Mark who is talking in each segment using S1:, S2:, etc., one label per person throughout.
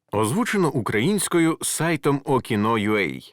S1: Озвучено українською сайтом Okino.ua.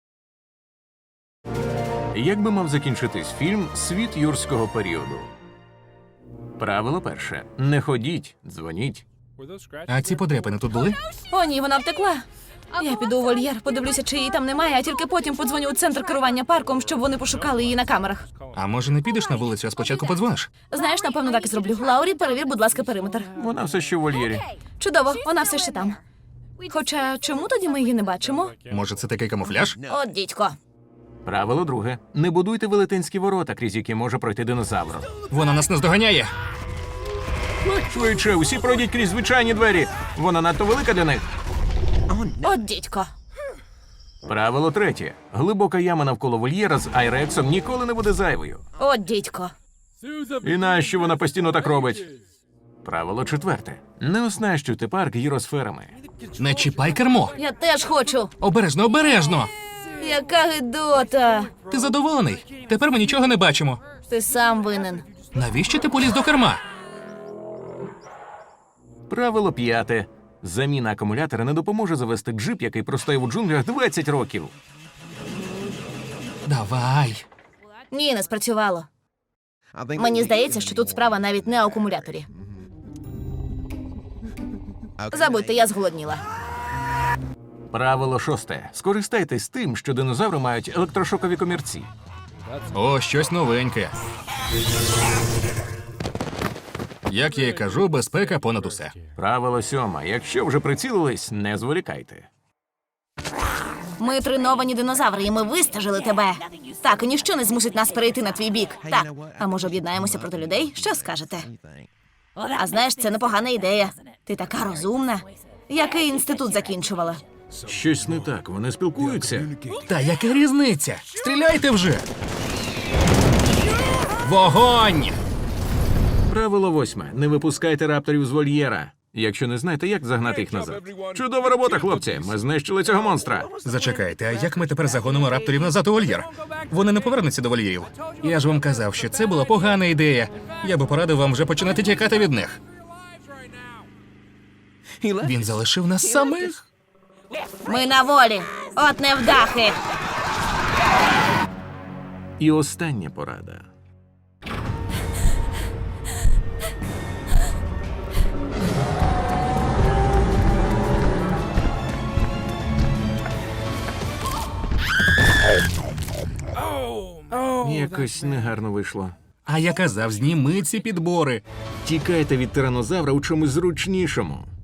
S1: Як би мав закінчитись фільм «Світ юрського періоду»? Правило перше. Не ходіть, дзвоніть.
S2: А ці подряпини тут були?
S3: О, ні, вона втекла. Я піду у вольєр, подивлюся, чи її там немає, а тільки потім подзвоню у центр керування парком, щоб вони пошукали її на камерах.
S2: А може не підеш на вулицю, а спочатку подзвониш?
S3: Знаєш, напевно, так і зроблю. Лаурі, перевір, будь ласка, периметр.
S1: Вона все ще в вольєрі.
S3: Чудово, вона все ще там. Хоча, чому тоді ми її не бачимо?
S2: Може, це такий камуфляж?
S3: От дідько.
S1: Правило друге. Не будуйте велетенські ворота, крізь які може пройти динозавр.
S2: Вона нас наздоганяє.
S1: Швидше, усі пройдіть крізь звичайні двері. Вона надто велика для них.
S3: От дідько.
S1: Правило третє. Глибока яма навколо вольєра з айрексом ніколи не буде зайвою.
S3: От дідько.
S1: І нащо вона постійно так робить? Правило четверте. Не оснащуйте парк гіросферами.
S2: Не чіпай кермо.
S3: Я теж хочу.
S2: Обережно, обережно.
S3: Яка гидота.
S2: Ти задоволений? Тепер ми нічого не бачимо.
S3: Ти сам винен.
S2: Навіщо ти поліз до керма?
S1: Правило п'яте. Заміна акумулятора не допоможе завести джип, який простояв у джунглях 20 років.
S2: Давай.
S3: Ні, не спрацювало. Мені здається, що тут справа навіть не у акумуляторі. Забудьте, я зголодніла.
S1: Правило шосте. Скористайтесь тим, що динозаври мають електрошокові комірці.
S2: О, щось новеньке. Як я й кажу, безпека понад усе.
S1: Правило сьоме. Якщо вже прицілились, не зволікайте.
S3: Ми треновані динозаври, і ми вистежили тебе. Так, і ніщо не змусить нас перейти на твій бік. Так, а може об'єднаємося проти людей? Що скажете? А знаєш, це непогана ідея. Ти така розумна. Який інститут закінчувала?
S1: Щось не так, вони спілкуються.
S2: Та яка різниця? Стріляйте вже! Вогонь!
S1: Правило восьме. Не випускайте рапторів з вольєра. Якщо не знаєте, як загнати їх назад. Чудова робота, хлопці. Ми знищили цього монстра.
S2: Зачекайте, а як ми тепер загонимо рапторів назад у вольєр? Вони не повернуться до вольєрів. Я ж вам казав, що це була погана ідея. Я би порадив вам вже починати тікати від них. Він залишив нас самих.
S3: Ми на волі. От невдахи.
S1: І остання порада. Якось негарно вийшло.
S2: А я казав, зніми ці підбори.
S1: Тікайте від тиранозавра у чомусь зручнішому.